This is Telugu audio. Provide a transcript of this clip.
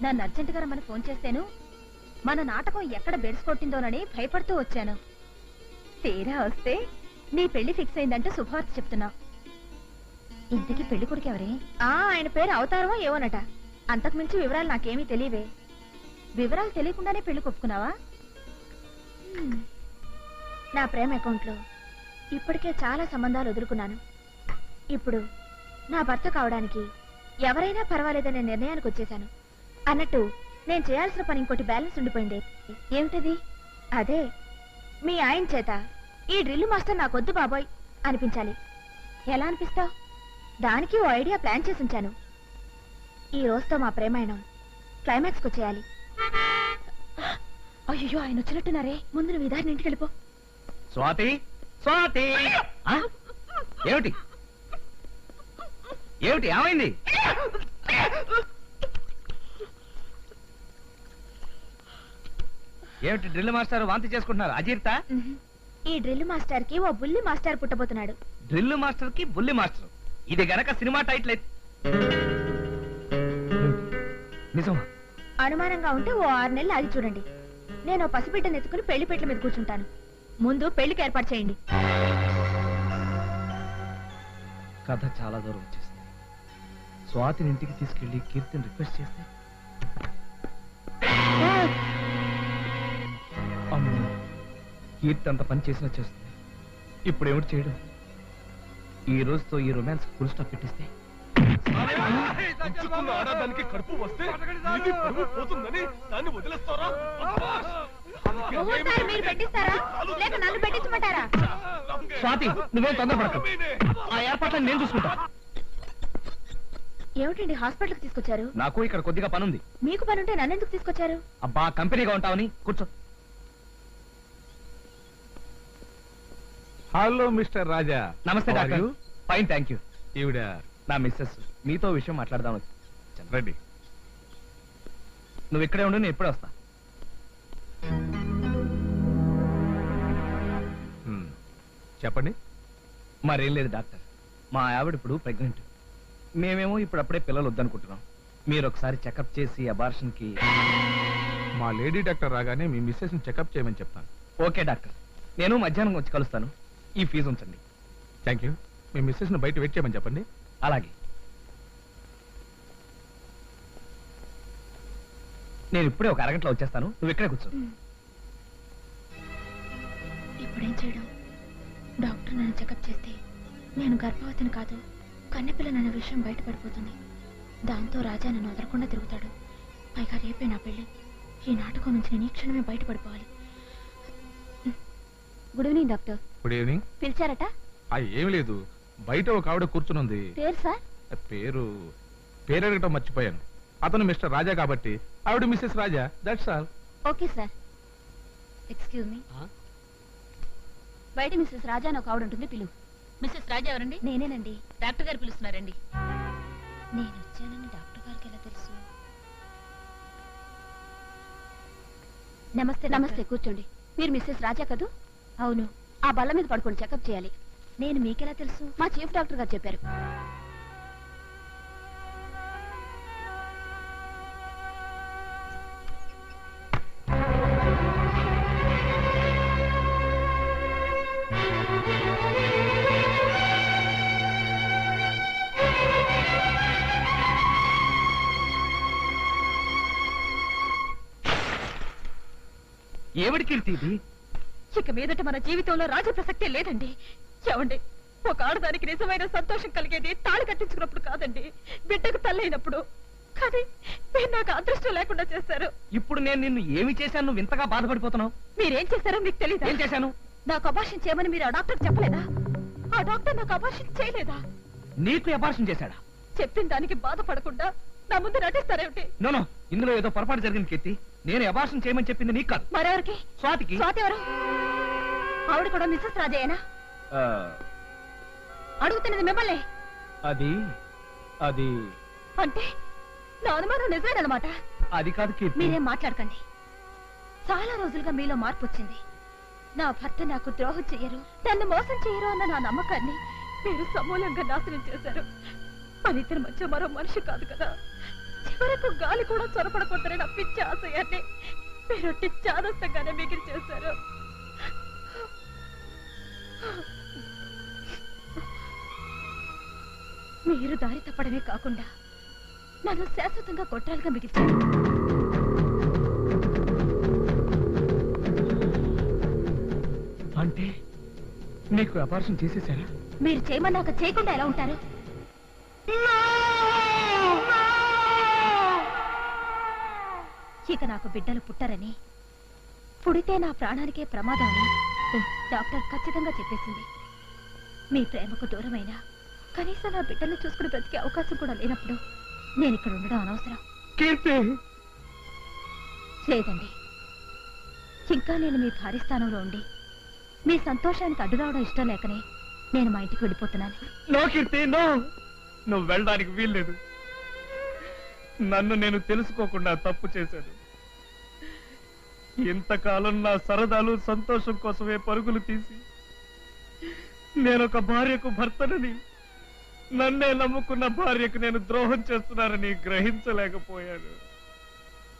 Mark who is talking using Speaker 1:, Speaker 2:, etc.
Speaker 1: నన్ను అర్జెంటుగా రమ్మని ఫోన్ చేస్తేను మన నాటకం ఎక్కడ బెడ్స్ కొట్టిందోనని భయపడుతూ వచ్చాను. తీరా వస్తే నీ పెళ్లి ఫిక్స్ అయిందంటూ శుభవార్త చెప్తున్నా. ఇంతకీ పెళ్లి కొడుకు ఎవరే? ఆయన పేరు అవతారమో ఏవోనట. అంతకుమించి వివరాలు నాకేమీ తెలియవే. వివరాలు తెలియకుండానే పెళ్లి కొప్పుకున్నావా? నా ప్రేమ అకౌంట్లో ఇప్పటికే చాలా సంబంధాలు వదులుకున్నాను. ఇప్పుడు నా భర్త కావడానికి ఎవరైనా పర్వాలేదనే నిర్ణయానికి వచ్చేశాను. అన్నట్టు నేను చేయాల్సిన పని ఇంకోటి బ్యాలెన్స్ ఉండిపోయింది. ఏమిటది? అదే మీ ఆయన చేత ఈ డ్రిల్ మాస్టర్ నాకొద్దు బాబోయ్ అనిపించాలి. ఎలా అనిపిస్తావు? దానికి ఓ ఐడియా ప్లాన్ చేసి ఉంచాను. ఈ రోజుతో మా ప్రేమాయణం క్లైమాక్స్కి వచ్చేయాలి. అయ్యో, ఆయన వచ్చినట్టున్నారే. ముందు నువ్వు ఇదారిని ఇంటికి వెళ్ళిపో.
Speaker 2: స్వాతి, స్వాతి, ఏమిటి ఏమిటి ఏమైంది? ఏమిటి డ్రిల్ మాస్టర్ వాంతి చేసుకుంటున్నారు? అజీర్తా?
Speaker 1: ఈ డ్రిల్ మాస్టర్ కి ఓ బుల్లి మాస్టర్ పుట్టబోతున్నాడు.
Speaker 2: డ్రిల్ మాస్టర్ కి బుల్లి మాస్టర్, ఇది గనక సినిమా టైటిల్ నిజమా?
Speaker 1: అనుమానంగా ఉంటే ఓ 6 నెలలు ఆగి చూడండి. నేను పసిబిడ్డను ఎత్తుకుని పెళ్లి పెట్ల మీద కూర్చుంటాను. ముందు పెళ్లికి ఏర్పాటు చేయండి.
Speaker 2: కథ చాలా దూరం వచ్చేసింది. స్వాతిని ఇంటికి తీసుకెళ్లి కీర్తిని రిక్వెస్ట్ చేస్తే అమ్మో, కీర్తి అంత పని చేసినా చేస్తుంది. ఇప్పుడు ఏమిటి చేయడం? ఈ రోజుతో ఈ రొమాన్స్ ఫుల్ స్టాప్ పెట్టిస్తే
Speaker 3: ఆడదానికి కడుపు వస్తే పోతుందని దాన్ని వదిలేస్తారా?
Speaker 1: మీరు పెట్టిస్తారా లేక నన్ను పెట్టించమంటారా?
Speaker 2: స్వాతి, నువ్వేం తొందరపడకు. ఆ ఏర్పాట్లను నేను చూసుకుంటా.
Speaker 1: ఏమిటండి హాస్పిటల్కి తీసుకొచ్చారు?
Speaker 2: నాకు ఇక్కడ కొద్దిగా పనుంది.
Speaker 1: మీకు పనుంటే నన్ను ఎందుకు తీసుకొచ్చారు?
Speaker 2: అబ్బా, కంపెనీగా ఉంటావని. కూర్చో.
Speaker 3: Hello mister Raja.
Speaker 2: నమస్తే డాక్టర్. Fine, thank you.
Speaker 3: ఈవిడ
Speaker 2: నా మిస్సెస్. మీతో విషయం మాట్లాడదాం.
Speaker 3: రెడ్డి,
Speaker 2: నువ్వు ఇక్కడే ఉండు, నేను ఎప్పుడే వస్తా.
Speaker 3: చెప్పండి.
Speaker 2: మరేం లేదు డాక్టర్, మా ఆవిడ ఇప్పుడు ప్రెగ్నెంట్. మేమేమో ఇప్పుడప్పుడే పిల్లలు వద్దనుకుంటున్నాం. మీరు ఒకసారి చెకప్ చేసి అబార్షన్ కి.
Speaker 3: మా లేడీ డాక్టర్ రాగానే మీ మిస్సెస్ ని చెకప్ చేయమని చెప్తాను.
Speaker 2: ఓకే డాక్టర్, నేను మధ్యాహ్నం వచ్చి కలుస్తాను. ఈ ఫీజు ఉంచండి.
Speaker 3: Thank you. మీ మిస్సెస్ ని బయట వెయిట్ చేయమని చెప్పండి.
Speaker 2: అలాగే. నేను ఇప్పుడే ఒక అరగంటలో వచ్చేస్తాను. నువ్వు ఇక్కడే కూర్చో.
Speaker 1: ఇప్పుడేం చేయడం? డాక్టర్ నన్ను చెకప్ చేస్తే నేను గర్భవతిని కాదు, కన్నెపిల్లనన్న విషయం బయటపడిపోతుంది. దాంతో రాజా నన్ను వదలకుండా తిరుగుతాడు. పైగా రేపే నా పెళ్లి. ఈ నాటకం నుంచి నేను ఈ క్షణమే బయటపడిపోవాలి. Good evening doctor.
Speaker 3: Good evening.
Speaker 1: పిలిచారట?
Speaker 3: ఏం లేదు, బయట ఒక ఆవిడ కూర్చునుంది.
Speaker 1: పేరు సార్?
Speaker 3: పేరు అడగటం మర్చిపోయాను. అతను మిస్టర్ రాజా కాబట్టి ఆవిడ missus Raja. That's all.
Speaker 1: Okay sir. Excuse me. బయట మిస్సెస్ రాజా అని ఒక ఆవిడ ఉంటుంది, పిలువు.
Speaker 4: మిస్సెస్ రాజా ఎవరండి?
Speaker 1: నేనేనండి.
Speaker 4: డాక్టర్ గారు పిలుస్తున్నారండి.
Speaker 1: నేను వచ్చానని డాక్టర్ గారికి ఎలా తెలుసు? నమస్తే. నమస్తే, కూర్చోండి. మీరు మిస్సెస్ రాజా కదూ? అవును. ఆ బల్ల మీద పడుకొని చెకప్ చేయాలి. నేను మీకెలా తెలుసు? మా చీఫ్ డాక్టర్ గారు చెప్పారు.
Speaker 2: ఏమిటి కీర్తి ఇది?
Speaker 4: ఇక మీదట మన జీవితంలో రాజ ప్రసక్తే లేదండి. చెవండి, ఒక ఆడదానికి నిజమైన సంతోషం కలిగేది తాళి కట్టించుకున్నప్పుడు కాదండి, బిడ్డకు తల్లైనప్పుడు. కానీ మీరు నాకు అదృష్టం లేకుండా చేశారు.
Speaker 2: ఇప్పుడు నేను నిన్ను ఏమి చేశాను నువ్వు ఇంతగా బాధపడిపోతున్నావు?
Speaker 4: మీరేం చేశారో మీకు తెలియదు.
Speaker 2: ఏం చేశాను?
Speaker 4: నాకు అబార్షన్ చేయమని మీరు ఆ డాక్టర్ చెప్పలేదా? ఆ డాక్టర్ నాకు అబార్షన్ చేయలేదా?
Speaker 2: నీకు అబార్షన్ చేశాడా?
Speaker 4: చెప్పిన దానికి బాధపడకుండా నా ముందు నటిస్తారేమిటి?
Speaker 2: నో, ఇందులో ఏదో పొరపాటు జరిగింది కీర్తి. నేను అబార్షన్ చేయమని చెప్పింది నీకు కాదు,
Speaker 4: మరెవరికి?
Speaker 2: స్వాతికి.
Speaker 4: స్వాతి ఎవరు? ఆవిడ కూడా మిస్సెస్ రాజయ్యనా? అడుగుతున్నది మిమ్మల్ని.
Speaker 2: అది అది
Speaker 4: అంటే నా అనుమానం నిజమేనమాట.
Speaker 2: అది కాదు కీర్తి.
Speaker 4: మీరేం మాట్లాడకండి. చాలా రోజులుగా మీలో మార్పు వచ్చింది. నా భర్త నాకు ద్రోహం చెయ్యరు, నన్ను మోసం చెయ్యరు అన్న నా నమ్మకాన్ని మీరు సమూలంగా నాశనం చేశారు. మన ఇద్దరి మధ్య మరో మనిషి కాదు కదా. చివరకు గాలి కూడా చొరపడపోతారని నా పిచ్చి ఆశయాన్ని మీరొట్టి చాదస్తంగానే మిగిలి చేశారు. మీరు దారి తప్పడమే కాకుండా నన్ను శాశ్వతంగా కొట్టాలిగా మిగిల్చారు.
Speaker 2: అంటే నీకు అపార్షన్ చేసేసారా?
Speaker 4: మీరు చేయమన్నాక చేయకుండా ఎలా ఉంటారు? ఇక నాకు బిడ్డలు పుట్టరని, పుడితే నా ప్రాణానికే ప్రమాదం అని డాక్టర్ ఖచ్చితంగా చెప్పేసింది. మీ ప్రేమకు దూరమైనా కనీసం నా బిడ్డల్ని చూసుకుని బ్రతికే అవకాశం కూడా లేనప్పుడు నేను ఇక్కడ ఉండడం అనవసరం. లేదండి, ఇంకా నేను మీ భార్య స్థానంలో ఉండి మీ సంతోషానికి అడ్డు రావడం ఇష్టం లేకనే నేను మా ఇంటికి వెళ్ళిపోతున్నాను.
Speaker 2: నో కీర్తి, నో, నువ్వు వెళ్ళడానికి వీల్లేదు. నన్ను నేను తెలుసుకోకుండా తప్పు చేశాను. ఇంతకాలం నా సరదాలు సంతోషం కోసమే పరుగులు తీసి నేనొక భార్యకు భర్తనని, నన్నే నమ్ముకున్న భార్యకు నేను ద్రోహం చేస్తున్నానని గ్రహించలేకపోయాను.